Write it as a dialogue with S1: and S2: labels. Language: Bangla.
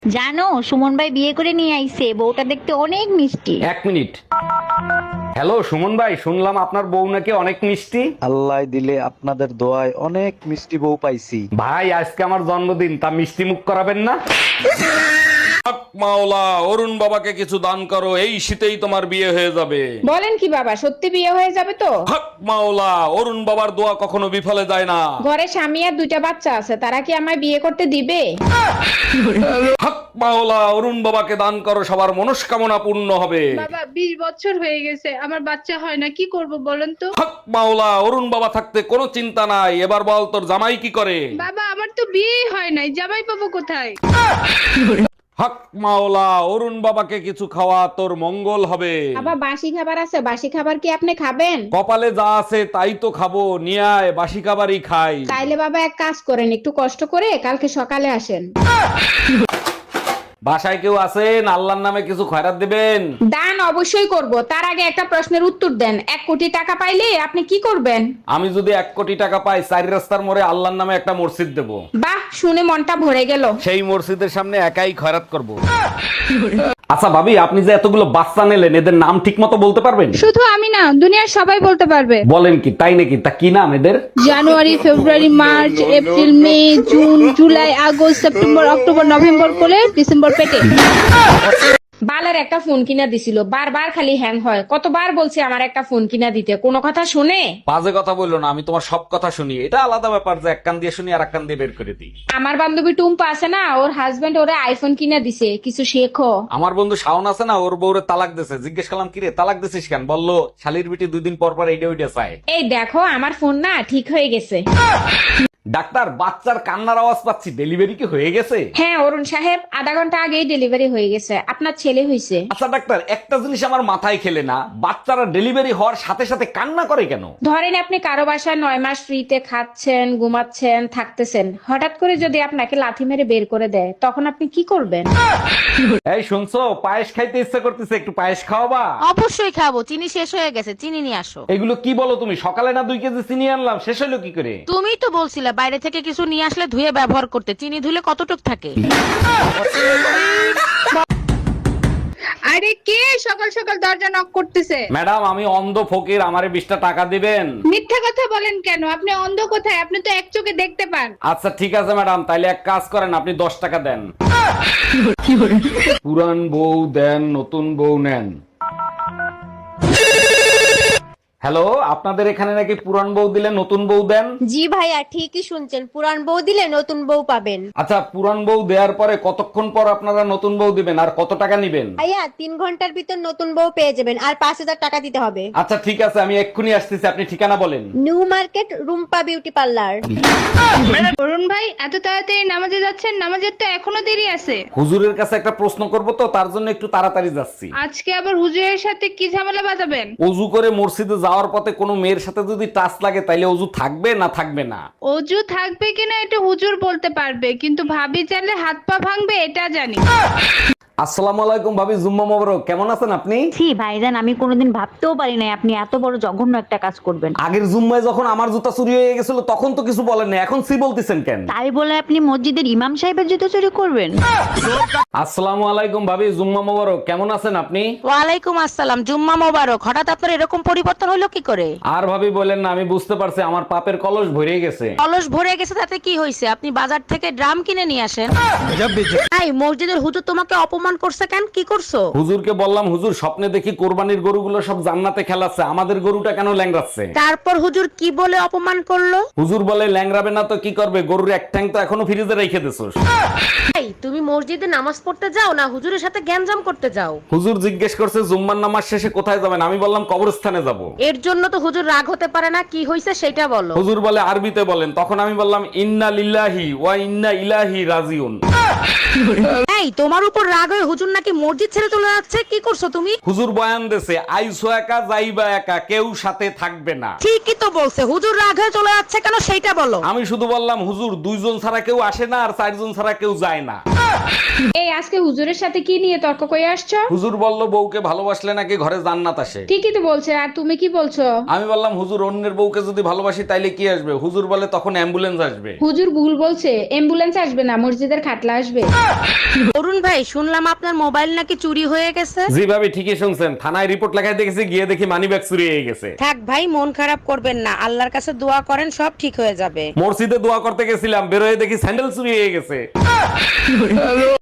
S1: জানো, সুমন ভাই বিয়ে করে নিয়ে আইছে, বউটা দেখতে অনেক মিষ্টি।
S2: এক মিনিট। হ্যালো সুমন ভাই, শুনলাম আপনার বউ নাকি অনেক মিষ্টি।
S3: আল্লাহ দিলে আপনাদের দোয়ায় অনেক মিষ্টি বউ পাইছি।
S2: ভাই আজকে আমার জন্মদিন, তা মিষ্টি মুখ করাবেন না? হক মাওলা, অরুণ বাবাকে কিছু দান করো, এই শীতেই তোমার বিয়ে হয়ে যাবে।
S4: বলেন কি বাবা, সত্যি বিয়ে হয়ে যাবে তো?
S2: হক মাওলা, অরুণ বাবার দোয়া কখনো বিফলে যায় না।
S4: ঘরে স্বামী আর দুইটা বাচ্চা আছে, তারা কি আমায় বিয়ে করতে দিবে?
S2: হক মাওলা, অরুণ বাবাকে দান করো, সবার মনস্কামনা পূর্ণ হবে।
S5: বাবা 20 বছর হয়ে গেছে, আমার বাচ্চা হয় না, কি করব বলেন তো?
S2: হক মাওলা, অরুণ বাবা থাকতে কোনো চিন্তা নাই। এবার বল, তোর জামাই কি করে?
S5: বাবা আমার তো বিয়েই হয় নাই, জামাই পাবো কোথায়?
S2: হক মাওলা, অরুণ বাবাকে কিছু খাওয়া, তোর মঙ্গল হবে।
S4: বাবা বাসি খাবার আছে, বাসি খাবার কি আপনি খাবেন?
S2: কপালে যা আছে তাই তো খাবো, নিয়ে আয়, বাসি খাবারই খাই।
S4: তাইলে বাবা এক কাজ করেন, একটু কষ্ট করে কালকে সকালে আসেন।
S2: বাসায় কেউ আছেন? আল্লাহর নামে কিছু খয়রাত দিবেন।
S4: দান অবশ্যই করব, তার আগে একটা প্রশ্নের উত্তর দেন। 1 কোটি টাকা পাইলে আপনি কি করবেন?
S2: আমি যদি 1 কোটি টাকা পাই, 4 রাস্তার মোড়ে আল্লাহর নামে একটা মসজিদ দেব।
S4: বাহ, শুনে মনটা ভরে গেল।
S2: সেই মসজিদের সামনে একাই খয়রাত করব। আচ্ছা ভাবি, আপনি যে এতগুলো বাচ্চা নিলেন, এদের নাম ঠিক মতো বলতে পারবেন?
S5: শুধু আমি না, দুনিয়ার সবাই বলতে পারবে।
S2: বলেন কি, তাই নাকি? তা কি নাম এদের?
S5: January, February, March, April, May, June, July, August, September, October, November কোলে, ডিসেম্বর পেটে।
S4: বালের একটা ফোন কিনা দিছিল, বারবার খালি হ্যাং হয়। কতবার বলছি আমার একটা ফোন কিনা দিতে, কোনো কথা শুনে?
S2: বাজে কথা বললো না, আমি তোমার সব কথা শুনি। এটা আলাদা ব্যাপার যে এক কান দিয়ে শুনি আর এক কান দিয়ে বের করে দিই।
S4: আমার বান্ধবী টুম্পা আছে না, ওর হাজবেন্ড ওরে আইফোন কিনা দিছে, কিছু শেখো।
S2: আমার বন্ধু শাওন আছে না, ওর বউরে তালাক দিছে। জিজ্ঞেস করলাম, কিরে তালাক দিছিস কেন? বললো শালির বিটি 2 দিন পর পর এইটা ওইটা চায়।
S4: এই দেখো, আমার ফোন না ঠিক হয়ে গেছে।
S2: ডাক্তার, বাচ্চার কান্নার আওয়াজ পাচ্ছি, ডেলিভারি কি হয়ে গেছে?
S4: হ্যাঁ অরুণ সাহেব, আধা ঘন্টা আগেই ডেলিভারি হয়ে গেছে, আপনার ছেলে হয়েছে।
S2: আচ্ছা ডাক্তার, একটা জিনিস আমার মাথায় খেলে না, বাচ্চারা ডেলিভারি হওয়ার সাথে সাথে কান্না করে কেন?
S4: ধরেন আপনি কারো বাসায় 9 মাস ফ্রিতে খাচ্ছেন, ঘুমাচ্ছেন, থাকতেছেন, হঠাৎ করে যদি আপনাকে লাথি মেরে বের করে দেয়, তখন আপনি কি করবেন?
S2: এই শুনছো, পায়েস খাইতে ইচ্ছা করতেছে, একটু পায়েস খাওয়াবা?
S6: অবশ্যই খাবো, চিনি শেষ হয়ে গেছে, চিনি নিয়ে আসো।
S2: এগুলো কি বলো তুমি? সকালে না 2 কেজি চিনি আনলাম, শেষ হলো কি করে?
S6: তুমিই তো বলছিলে বাইরে থেকে কিছু নিয়ে আসলে ধুয়ে ব্যবহার করতে, চিনি ধুলে কতটুক থাকে।
S5: আরে কে সকাল সকাল দরজা নক করতেছে?
S2: ম্যাডাম, আমি অন্ধ ফকির, আমারে 20টা টাকা দিবেন?
S5: মিথ্যা কথা বলেন কেন? আপনি অন্ধ কোথায়? আপনি তো এক চোখে দেখতে পান।
S2: আচ্ছা ঠিক আছে ম্যাডাম, তাইলে এক কাজ করেন, আপনি 10 টাকা দেন। পুরান বউ দেন, নতুন বউ নেন। হ্যালো, আপনাদের এখানে নাকি পুরান বউ দিলে নতুন বউ দেন?
S7: জি ভাইয়া, ঠিকই শুনছেন, পুরান বউ দিলে নতুন বউ পাবেন।
S2: আচ্ছা, পুরান বউ দেওয়ার পরে কতক্ষণ পর আপনারা নতুন বউ দিবেন, আর কত টাকা নিবেন?
S7: ভাইয়া 3 ঘন্টার ভিতর নতুন বউ পেয়ে যাবেন, আর 5,000 টাকা দিতে হবে।
S2: আচ্ছা ঠিক আছে, আমি এক্ষুনি আসতেছি, আপনি ঠিকানা বলেন।
S7: New Market, Rumpa beauty parlour.
S5: Arun ভাই এত তাড়াতাড়ি নামাজে যাচ্ছেন? নামাজের তো এখনো দেরি আছে।
S2: হুজুরের কাছে একটা প্রশ্ন করব তো, তার জন্য একটু তাড়াতাড়ি যাচ্ছি।
S5: আজকে আবার হুজুরের সাথে কি ঝামেলা বাঁধাবেন?
S2: অজু করে মসজিদে যাওয়ার পথে কোনো মেয়ের সাথে যদি টাচ লাগে, তাইলে অজু থাকবে না থাকবে না?
S5: অজু থাকবে কিনা এটা হুজুর বলতে পারবে, কিন্তু ভাবি চাইলে হাত পা ভাঙবে এটা জানি।
S2: আসসালামু আলাইকুম ভাবি, জুম্মা মোবারক। কেমন আছেন আপনি?
S1: ছি ভাইজান, আমি কোনোদিন ভাবতেও পারি নাই আপনি এত বড় জঘন্য একটা কাজ করবেন।
S2: আগের জুম্মায় যখন আমার জুতা চুরি হয়ে গেছিল, তখন তো কিছু বলেন না, এখন সি বলতেছেন কেন?
S1: তাই বলে আপনি মসজিদের ইমাম সাহেবের জুতো চুরি করবেন?
S2: আসসালামু আলাইকুম ভাবি, জুম্মা মোবারক। কেমন আছেন আপনি?
S6: ওয়ালাইকুম আসসালাম, জুম্মা মোবারক। হঠাৎ আপনার এরকম পরিবর্তন হলো কি করে?
S2: আর ভাবি বলেন না, আমি বুঝতে পারছি আমার পাপের কলস ভরে গেছে।
S6: কলস ভরে গেছে তাতে কি হয়েছে? আপনি বাজার থেকে ড্রাম কিনে নিয়ে আসেন। এই মসজিদের হুজুর তোমাকে অপমান করছে কেন? কি করছো?
S2: হুজুরকে বললাম, হুজুর স্বপ্নে দেখি কোরবানির গরুগুলো সব জান্নাতে খেলাচ্ছে, আমাদের গরুটা কেন ল্যাংড়াচ্ছে?
S6: তারপর হুজুর কি বলে অপমান করলো?
S2: হুজুর বলে, ল্যাংড়াবে না তো কি করবে, গরুর এক ঠ্যাং তো এখনো ফ্রিজে রেখে দিছোস।
S6: এই তুমি মসজিদে নামাজ পড়তে যাও না হুজুরের সাথে গ্যাঞ্জাম করতে যাও?
S2: হুজুর জিজ্ঞেস করছে জুম্মার নামাজ শেষে কোথায় যাবেন, আমি বললাম কবরস্থানে যাব।
S6: এর জন্য তো হুজুর রাগ হতে পারে না, কি হয়েছে সেটা বলো।
S2: হুজুর বলে আরবিতে বলেন, তখন আমি বললাম ইন্না লিল্লাহি ওয়া ইন্না ইলাইহি রাজিউন।
S6: এই তোমার উপর রাগ হয়ে হুজুর নাকি মসজিদ ছেড়ে চলে যাচ্ছে, কি করছো তুমি?
S2: হুজুর বয়ান দেছে, আইসো একা যাইবা একা, কেউ সাথে থাকবে না।
S6: ঠিকই তো বলছে, হুজুর রাগ হয়ে চলে যাচ্ছে কেন সেইটা বলো।
S2: আমি শুধু বললাম, হুজুর 2 জন ছাড়া কেউ আসে না, আর 4 জন ছাড়া কেউ যায় না।
S4: এই আজকে হুজুরের সাথে কি নিয়ে তর্ক করে আসছো?
S2: হুজুর বলল, বউকে ভালোবাসলে নাকি ঘরে জান্নাত আসে।
S4: ঠিকই তো বলছে, আর তুমি কি বলছো?
S2: আমি বললাম, হুজুর অন্যের বউকে যদি ভালোবাসি তাইলে কি আসবে? হুজুর বলে, তখন অ্যাম্বুলেন্স আসবে।
S4: হুজুর ভুল বলছে, অ্যাম্বুলেন্স আসবে না, মসজিদের খাটলা আসবে।
S6: অরুণ ভাই শুনলাম আপনার মোবাইল নাকি চুরি হয়ে গেছে।
S2: জি ভাবি, ঠিকই শুনছেন। থানায় রিপোর্ট লেখায় দেখেছি, গিয়ে দেখি মানিব্যাগ চুরি হয়ে গেছে।
S6: থাক ভাই, মন খারাপ করবেন না, আল্লাহর কাছে দোয়া করেন, সব ঠিক হয়ে যাবে।
S2: মসজিদে দোয়া করতে গেছিলাম, বেরোয় দেখি স্যান্ডেল চুরি হয়ে গেছে।